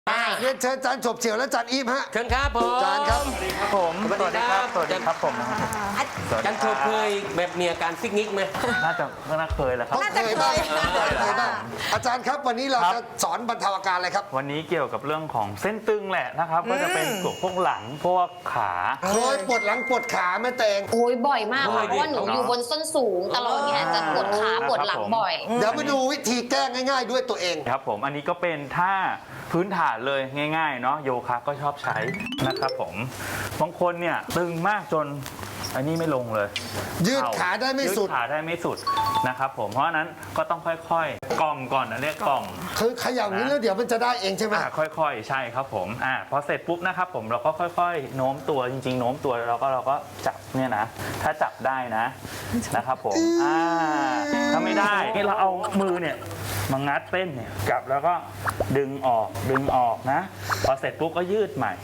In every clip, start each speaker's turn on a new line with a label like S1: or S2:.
S1: เรียนเชิญอาจารย์ฉบเฉี่ยวและอาจารย์อีฟฮะ
S2: เชิญครับผม
S1: อาจารย์ครับ
S3: สวัสดีครับผมสวัสดีครับสวัสดีครับผม
S2: อาจารย์โชว์เคยแบบมีอาการซิกนิกไหม
S3: น่าเคยแหละครับ
S1: ต้องเคยบ้างเคยบ้างอาจารย์ครับวันนี้เราจะสอนบรรเทาอาการอะไรครับ
S3: วันนี้เกี่ยวกับเรื่องของเส้นตึงแหละนะครับ ก็จะเป็นพวกหลังพวกขา
S1: เคยปวดหลังปวดขาแม่เตง
S4: โอ้ยบ่อยมากค่ะเพราะว่าหนูอยู่บนส้นสูงตลอดเนี่ยจะปวดขาปวดหลังบ่อย
S1: เดี๋ยวมาดูวิธีแก้ง่ายๆด้วยตัวเอง
S3: ครับผมอันนี้ก็เป็นท่าพื้นฐานเลยง่ายๆเนาะโยคะก็ชอบใช้นะครับผมบางคนเนี่ยตึงมากจนอันนี้ไม่ลงเลย
S1: ยืดขาได้ไม่สุด
S3: ยืดขาได้ไม่สุดนะครับผมเพราะฉะนั้นก็ต้องค่อยๆกล่อมก่อนนะเรียกกล่อม
S1: คือเขย่านี้แล้วเดี๋ยวมันจะได้เองใช่ไหม
S3: ค่อยๆใช่ครับผมพอเสร็จปุ๊บนะครับผมเราก็ค่อยๆโน้มตัวจริงๆโน้มตัวเราก็จับเนี่ยนะถ้าจับได้นะครับผมถ้าไม่ได้ให้เราเอามือเนี่ยมางัดเส้นเนี่ยจับแล้วก็ดึงออกนะพอเสร็จปุ๊บก็ยืดใหม่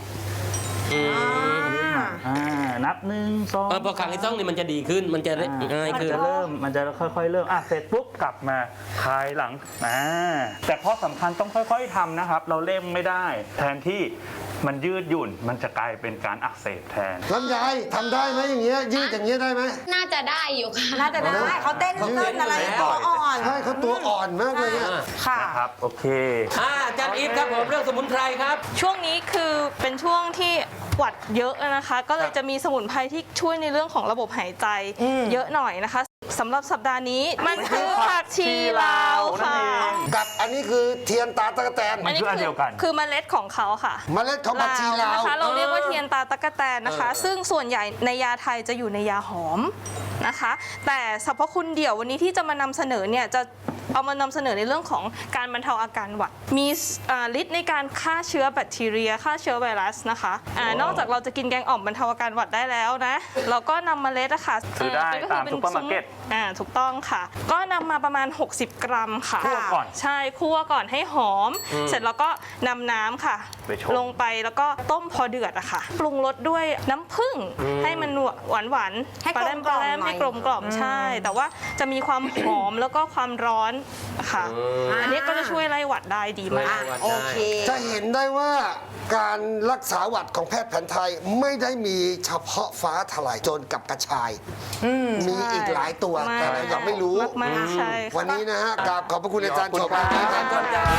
S3: นับ1 2
S2: พอครั้งที่ต้องนี่มันจะดีขึ้นมันจะง่ายขึ้น
S3: มันจะค่อยๆเริ่มเสร็จปุ๊บกลับมาคลายหลังแต่ข้อสำคัญต้องค่อยๆทำนะครับเราเร่งไม่ได้แทนที่มันยืดหยุ่นมันจะกลายเป็นการอักเสบแทน
S1: ลำไยทำได้ไหมอย่างเงี้ยยืดอย่างเงี้ยได้ไหม
S4: น่าจะได้อยู่ค่ะ
S5: น่าจะได้เขาเต้นอะไรตัวอ่อน
S1: ใช่เขาตัวอ่อนมากเลยเนี่ย
S5: ค่ะ
S3: นะครับโอเค
S2: อาจารย์อีฟครับผมเรื่องสมุนไพรครับ
S6: ช่วงนี้คือเป็นช่วงที่หวัดเยอะนะคะ ก็เลยจะมีสมุนไพรที่ช่วยในเรื่องของระบบหายใจเยอะหน่อยนะคะสำหรับสัปดาห์นี้มันคือผักชีลาวค่ะ
S1: กับอันนี้คือเทียนตาตะกแตน
S3: มันคืออันเดียวกัน
S6: คือเมล็ดของเขาค่ะ
S1: เมล็ดของผักชีลาว
S6: นะคะเราเรียกว่าเทียนตาตะกแตนนะคะ ซึ่งส่วนใหญ่ในยาไทยจะอยู่ในยาหอมนะคะ แต่สรรพคุณเดี่ยววันนี้ที่จะมานำเสนอเนี่ยจะเอามานำเสนอในเรื่องของการบรรเทาอาการหวัดมีฤทธิ์ในการฆ่าเชื้อแบคทีเรียฆ่าเชื้อไวรัสนะคะนอกจากเราจะกินแกงอ่อมบรรเทาอาการหวัดได้แล้วนะเราก็นำเมล็ดอะค่ะ
S3: ซื้อได้ตามซุปเปอร์มาร์เก็ต
S6: ถูกต้องค่ะ ก็นำมาประมาณ60 กรัมค่ะ
S3: คั่วก่อน
S6: ใช่คั่วก่อนให้หอม เสร็จแล้วก็นำน้ำค่ะ
S3: ไปชง
S6: ลงไปแล้วก็ต้มพอเดือดอะค่ะ ปรุงรสด้วยน้ำผึ้งให้มันหวาน
S5: ให้
S6: ปลาแรม
S5: กลมๆหน่อย
S6: ให้กลมกล่อมใช่ แต่ว่าจะมีความหอมแล้วก็ความร้อนค่ะ อันนี้ก็จะช่วยไล่หวัดได้ดีมาก
S5: โอเค
S1: จะเห็นได้ว่าการรักษาหวัดของแพทย์แผนไทยไม่ได้มีเฉพาะฟ้าทลายโจรกับกระชาย มีอีกหลายตัวแต่เรายังไม่รู้
S6: มากๆใช่ค่ะ
S1: วันนี้นะฮะกราบขอบพระคุณอาจารย์ฉบ
S3: ขอบคุณครับ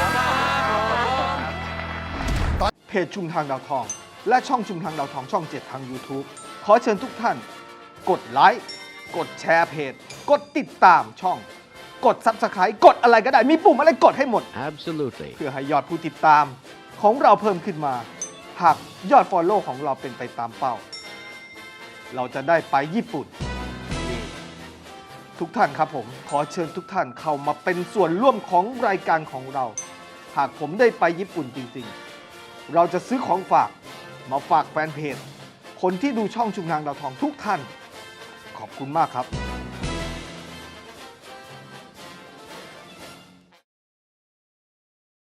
S7: เพจชุมทางดาวทอง และช่องชุมทางดาวทองช่อง 7 ทาง YouTube ขอเชิญทุกท่าน กดไลค์กดแชร์เพจ กดติดตามช่อง กด Subscribe กดอะไรก็ได้ มีปุ่มอะไรกดให้หมด
S8: Absolutely.
S7: เพื่อให้ยอดผู้ติดตามของเราเพิ่มขึ้นมา หากยอด Follow ของเราเป็นไปตามเป้า เราจะได้ไปญี่ปุ่น ทุกท่านครับผม ขอเชิญทุกท่านเข้ามาเป็นส่วนร่วมของรายการของเรา หากผมได้ไปญี่ปุ่นจริงๆ เราจะซื้อของฝากมาฝากแฟนเพจ คนที่ดูช่องชุมทางดาวทองทุกท่าน ขอบคุณมากครับ